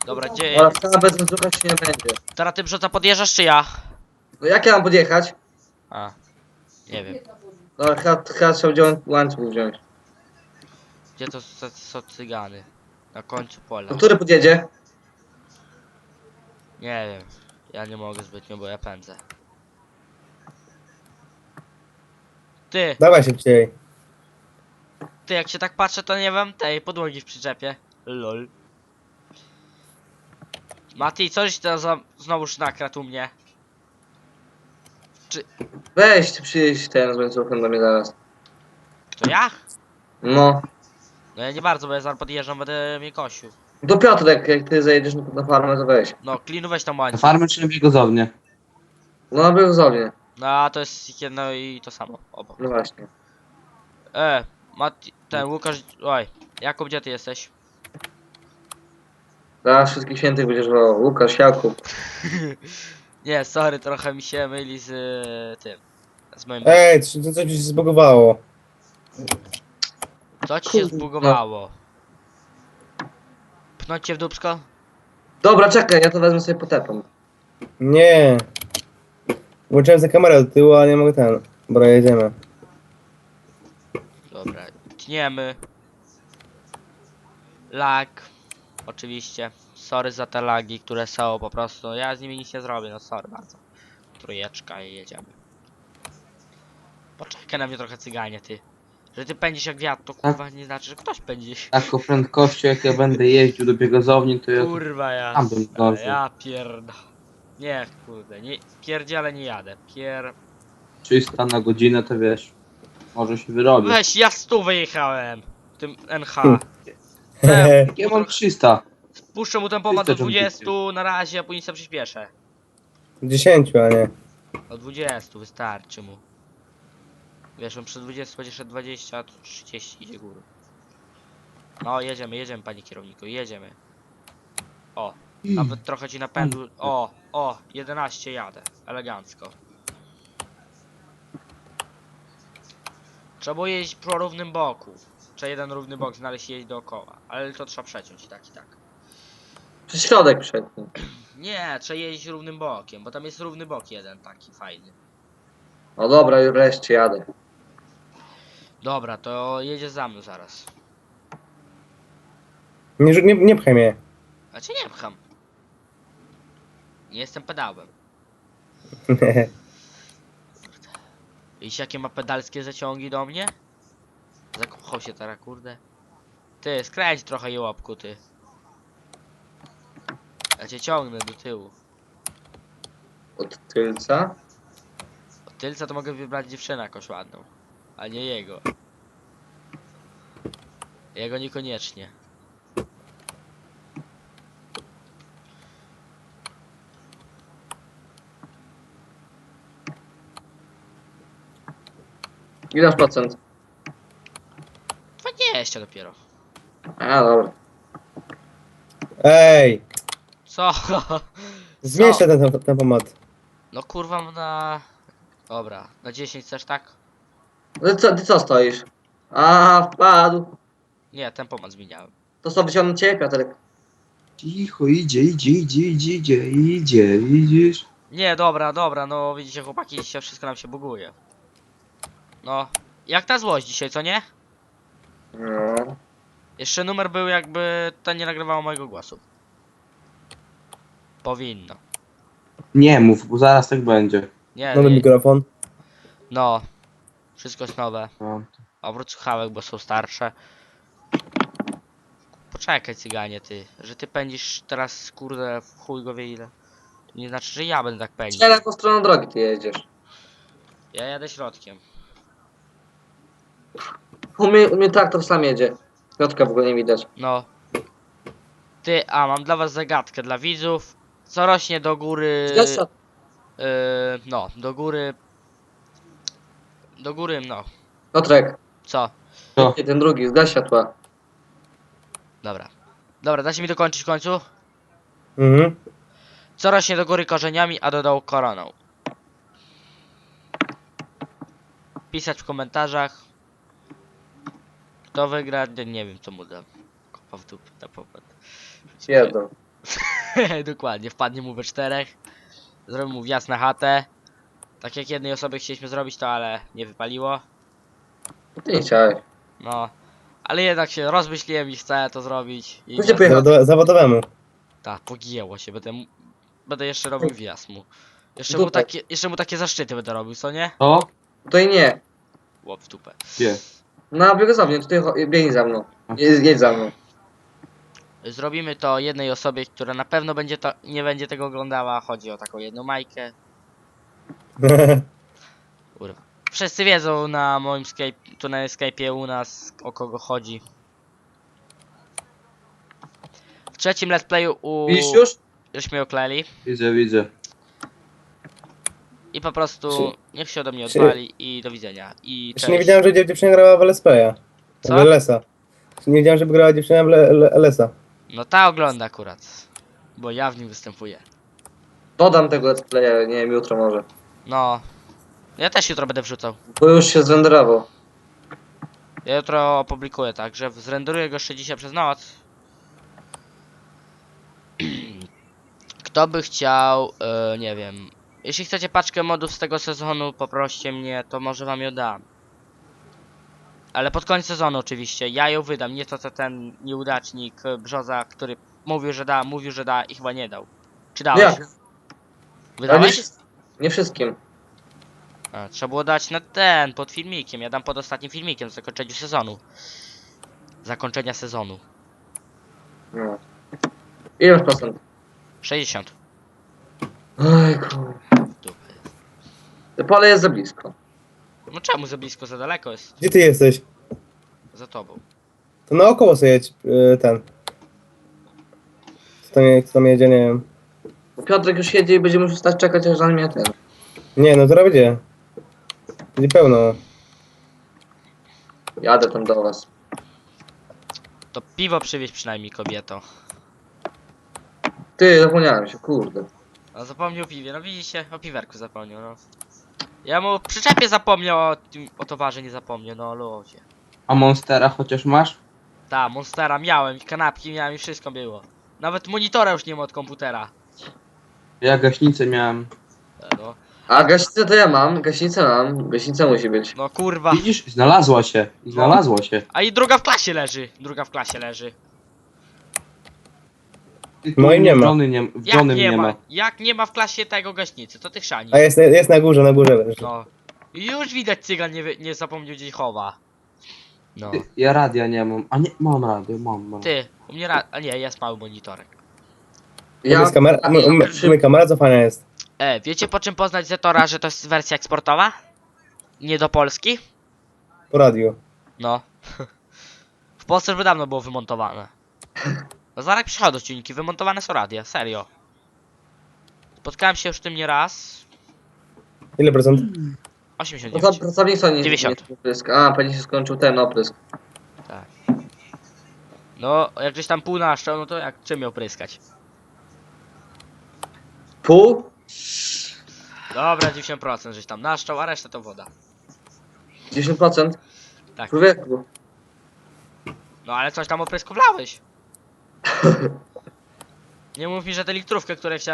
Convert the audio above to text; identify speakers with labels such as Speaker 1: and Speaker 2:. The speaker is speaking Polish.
Speaker 1: Dobra, gdzie...
Speaker 2: Ale wcale bez łańcucha się nie będzie.
Speaker 1: Teraz ty Brzoza podjeżdżasz czy ja?
Speaker 2: No jak ja mam podjechać?
Speaker 1: A, nie wiem.
Speaker 2: No chyba trzeba wziąć łańcuch wziąć.
Speaker 1: Gdzie to są cygany? Na końcu pola.
Speaker 2: No który podjedzie?
Speaker 1: Nie wiem. Ja nie mogę zbytnio, bo ja pędzę. Ty,
Speaker 3: Dawaj szybciej.
Speaker 1: jak się tak patrzę, to nie mam tej podłogi w przyczepie. Lol. Mati, coś to znowuż nakradł u mnie.
Speaker 2: Weź ty przyjeźdź ten z łańcuchem do mnie zaraz.
Speaker 1: To ja?
Speaker 2: No.
Speaker 1: No ja nie bardzo, bo ja zaraz podjeżdżam, będę mnie kosił.
Speaker 2: Do Piotrek, jak ty zajedziesz na farmę, to weź.
Speaker 1: No, Klinu weź tam
Speaker 4: Na
Speaker 1: łańcuch.
Speaker 4: farmę czy na biegozownię?
Speaker 2: No był zownie.
Speaker 1: No, a to jest jedno i to samo. Obok.
Speaker 2: No właśnie.
Speaker 1: Mati, ten Łukasz, oj, Jakub, gdzie ty jesteś?
Speaker 2: Zaraz wszystkich świętych będziesz wołał. Łukasz, Jakub.
Speaker 1: Nie, sorry, trochę mi się myli z tym. Z moim...
Speaker 3: Ej, to coś mi się zbugowało.
Speaker 1: Co ci się
Speaker 2: Kurde.
Speaker 1: zbugowało? Pchnąć cię w dupsko?
Speaker 2: Dobra, czekaj, ja to wezmę sobie potepam.
Speaker 3: Nie. Włączyłem za kamerę do tyłu, ale nie mogę ten. Dobra, jedziemy.
Speaker 1: Dobra, tniemy. Lag. Oczywiście. Sorry za te lagi, które są po prostu. Ja z nimi nic nie zrobię, no sorry bardzo. Trójeczka i jedziemy. Poczekaj na mnie trochę cyganie, ty. Że ty pędzisz jak wiatr, to kurwa nie znaczy, że ktoś pędzi.
Speaker 4: Taką prędkością jak ja będę jeździł do biegozowni, to ja
Speaker 1: Kurwa ja.
Speaker 4: tam bym zdążył.
Speaker 1: Ja pierda. Nie, kurde, nie, pierdziele nie jadę.
Speaker 4: 300 na godzinę to wiesz, może się wyrobić.
Speaker 1: Weź, ja 100 wyjechałem. W tym NH.
Speaker 4: Ja mam 300.
Speaker 1: Puszczę mu ten pomad do
Speaker 4: 300
Speaker 1: 20 na razie, a później sobie przyspieszę.
Speaker 3: 10, a nie.
Speaker 1: Do 20 wystarczy mu. Wiesz, on przy 20 będzie szedł 20, a tu 30 idzie górą. No, jedziemy, panie kierowniku, jedziemy. O, nawet trochę ci napędu. O, 11 jadę. Elegancko. Trzeba było jeździć po równym boku. Trzeba jeden równy bok znaleźć i jeździć dookoła. Ale to trzeba przeciąć i tak, i tak.
Speaker 2: Przez środek przed nim.
Speaker 1: Nie, trzeba jeździć równym bokiem, bo tam jest równy bok jeden taki fajny.
Speaker 2: No dobra, już wreszcie jadę.
Speaker 1: Dobra, to jedzie za mną zaraz.
Speaker 3: Nie pchaj mnie.
Speaker 1: Znaczy nie pcham. Nie jestem pedałem. Widzisz jakie ma pedalskie zaciągi do mnie? Zakochał się teraz, kurde. Ty, skręć trochę jełopku, ty. Ja cię ciągnę do tyłu.
Speaker 2: Od tylca.
Speaker 1: Od tylca to mogę wybrać dziewczynę jakąś ładną. A nie jego. Jego niekoniecznie.
Speaker 2: Ile masz procent?
Speaker 1: 20 dopiero.
Speaker 2: A, dobra.
Speaker 3: Ej,
Speaker 1: Co?
Speaker 3: zmniejszę ten pomad.
Speaker 1: No kurwa na... Dobra, na 10 chcesz tak?
Speaker 2: Ty co stoisz? A, wpadł.
Speaker 1: Nie, ten pomad zmieniałem.
Speaker 2: To co, wyciągnę cię, Piotrek?
Speaker 4: Cicho, idzie, widzisz?
Speaker 1: Nie, dobra, no widzicie chłopaki, dzisiaj wszystko nam się buguje. No, jak ta złość dzisiaj, co nie?
Speaker 2: No.
Speaker 1: Jeszcze numer był jakby to nie nagrywało mojego głosu. Powinno.
Speaker 4: Nie mów, bo zaraz tak będzie.
Speaker 1: Nie,
Speaker 3: Nowy
Speaker 1: nie.
Speaker 3: mikrofon.
Speaker 1: No. Wszystko jest nowe.
Speaker 4: No.
Speaker 1: Obrót słuchawek, bo są starsze. Poczekaj cyganie ty, że ty pędzisz teraz kurde w chuj go wie ile. To nie znaczy, że ja będę tak pędził.
Speaker 2: Strzelaj po stroną drogi ty jedziesz.
Speaker 1: Ja jadę środkiem.
Speaker 2: U mnie traktor sam jedzie. Piotrka w ogóle nie widać.
Speaker 1: No. Ty, a mam dla was zagadkę dla widzów. Co rośnie do góry...
Speaker 2: Zgadza.
Speaker 1: No, do góry... Do góry, no.
Speaker 2: Piotrek,
Speaker 1: Co?
Speaker 4: Co?
Speaker 2: nie, ten drugi, zgaś światła.
Speaker 1: Dobra. Dobra, dacie mi dokończyć w końcu?
Speaker 3: Mhm.
Speaker 1: Co rośnie do góry korzeniami, a do dołu koroną? Pisać w komentarzach. Kto wygra? Nie wiem co mu dam. Kopa w dupę, na popatrz.
Speaker 2: Jedno.
Speaker 1: Dokładnie, wpadnie mu we czterech. Zrobił mu wjazd na chatę. Tak jak jednej osoby chcieliśmy zrobić to, ale nie wypaliło.
Speaker 2: Ty nie chciałeś.
Speaker 1: No. Ale jednak się rozmyśliłem i chcę to zrobić. I
Speaker 2: Gdzie pojechał?
Speaker 3: Zawodowemu.
Speaker 1: tak, pogięło się. Będę jeszcze robił wjazd mu.
Speaker 2: Dupę.
Speaker 1: Jeszcze mu takie zaszczyty będę robił, co nie?
Speaker 4: To?
Speaker 2: Tutaj nie.
Speaker 1: Łop w dupę.
Speaker 4: Gdzie?
Speaker 2: Na biegozownię, tutaj biegnij za mną. Jedź za mną.
Speaker 1: Zrobimy to jednej osobie, która na pewno nie będzie tego oglądała. Chodzi o taką jedną Majkę. Kurwa. Wszyscy wiedzą na moim tu na Skype'ie u nas o kogo chodzi. W trzecim let's playu
Speaker 2: Widzisz już?
Speaker 1: żeśmy okleli
Speaker 4: Widzę.
Speaker 1: i po prostu
Speaker 3: Czy-
Speaker 1: niech się ode mnie
Speaker 3: czy-
Speaker 1: odwali i do widzenia. I
Speaker 3: Jeszcze nie
Speaker 1: cześć.
Speaker 3: wiedziałem, że dziewczyna grała w LSP-a. W
Speaker 1: Co?
Speaker 3: LS-a. Jeszcze nie wiedziałem, żeby grała dziewczyna w LS-a.
Speaker 1: No ta ogląda akurat, bo ja w nim występuję.
Speaker 2: Dodam tego let's playa, nie wiem, jutro może.
Speaker 1: No, ja też jutro będę wrzucał.
Speaker 2: Bo już się zrenderował.
Speaker 1: Ja jutro opublikuję, także zrenderuję go jeszcze dzisiaj przez noc. Kto by chciał, nie wiem. Jeśli chcecie paczkę modów z tego sezonu, poproście mnie, to może wam ją dam. Ale pod koniec sezonu oczywiście, ja ją wydam, nie to co ten nieudacznik Brzoza, który mówił, że da i chyba nie dał. Czy dałeś?
Speaker 2: Jak? Ale nie,
Speaker 1: Wydałeś?
Speaker 2: nie wszystkim.
Speaker 1: A, trzeba było dać na ten, pod filmikiem, ja dam pod ostatnim filmikiem, w zakończeniu sezonu. Zakończenia sezonu.
Speaker 2: No. Ile masz procent?
Speaker 1: 60.
Speaker 2: Oj kur...
Speaker 1: Dupy.
Speaker 2: To pole jest za blisko.
Speaker 1: No czemu za blisko, za daleko jest?
Speaker 3: Gdzie ty jesteś?
Speaker 1: Za tobą.
Speaker 3: To naokoło sobie jedź, ten. Kto tam jedzie, nie wiem.
Speaker 2: Bo Piotrek już jedzie i będzie musiał stać czekać, aż na mnie ten.
Speaker 3: Nie, no to będzie. Będzie pełno.
Speaker 2: Jadę tam do was.
Speaker 1: To piwo przywieź przynajmniej, kobieto.
Speaker 2: Ty, zapomniałem się, kurde.
Speaker 1: A zapomniał o piwie, no widzicie, o piwerku zapomniał, no. Ja mu przyczepie zapomniał, o towarze nie zapomniał, no ludzie.
Speaker 4: A Monstera chociaż masz?
Speaker 1: Ta, Monstera miałem, i kanapki miałem i wszystko było. Nawet monitora już nie ma od komputera.
Speaker 4: Ja gaśnicę miałem.
Speaker 1: No,
Speaker 2: A gaśnicę to ja mam, gaśnica musi być.
Speaker 1: no kurwa.
Speaker 4: Widzisz? Znalazła się. Znalazła się.
Speaker 1: A i druga w klasie leży, druga w klasie leży.
Speaker 4: Ty tu
Speaker 3: Moim nie ma.
Speaker 4: w
Speaker 1: Jak
Speaker 4: żonym
Speaker 1: nie ma? Jak nie ma w klasie tego gaśnicy, to ty chrzani.
Speaker 3: A jest na górze leży.
Speaker 1: No. I już widać cygan nie zapomniał gdzie chowa. No.
Speaker 4: Ja radia nie mam. A nie, mam radio, mam.
Speaker 1: Ty, u mnie a nie, jest mały monitorek.
Speaker 3: Jest kamera, kamera cofania jest.
Speaker 1: Wiecie po czym poznać Zetora, że to jest wersja eksportowa? Nie do Polski?
Speaker 3: Po radiu.
Speaker 1: No. W Polsce już by dawno było wymontowane. No zaraz przychodzą silniki, wymontowane są radia, serio. Spotkałem się już z tym nie raz.
Speaker 3: Ile procent?
Speaker 1: 89.
Speaker 2: Pracownica nie
Speaker 1: 90.
Speaker 2: nie oprysk. A, pewnie się skończył ten oprysk.
Speaker 1: Tak. No, jak gdzieś tam pół naszczał, no to jak czym miał pryskać?
Speaker 2: Pół?
Speaker 1: Dobra, 90% żeś tam naszczał, a reszta to woda.
Speaker 2: 10%?
Speaker 1: Tak.
Speaker 2: Człowieku.
Speaker 1: No ale coś tam opryskowlałeś. Nie mów mi, że tę litrówkę, której chciałem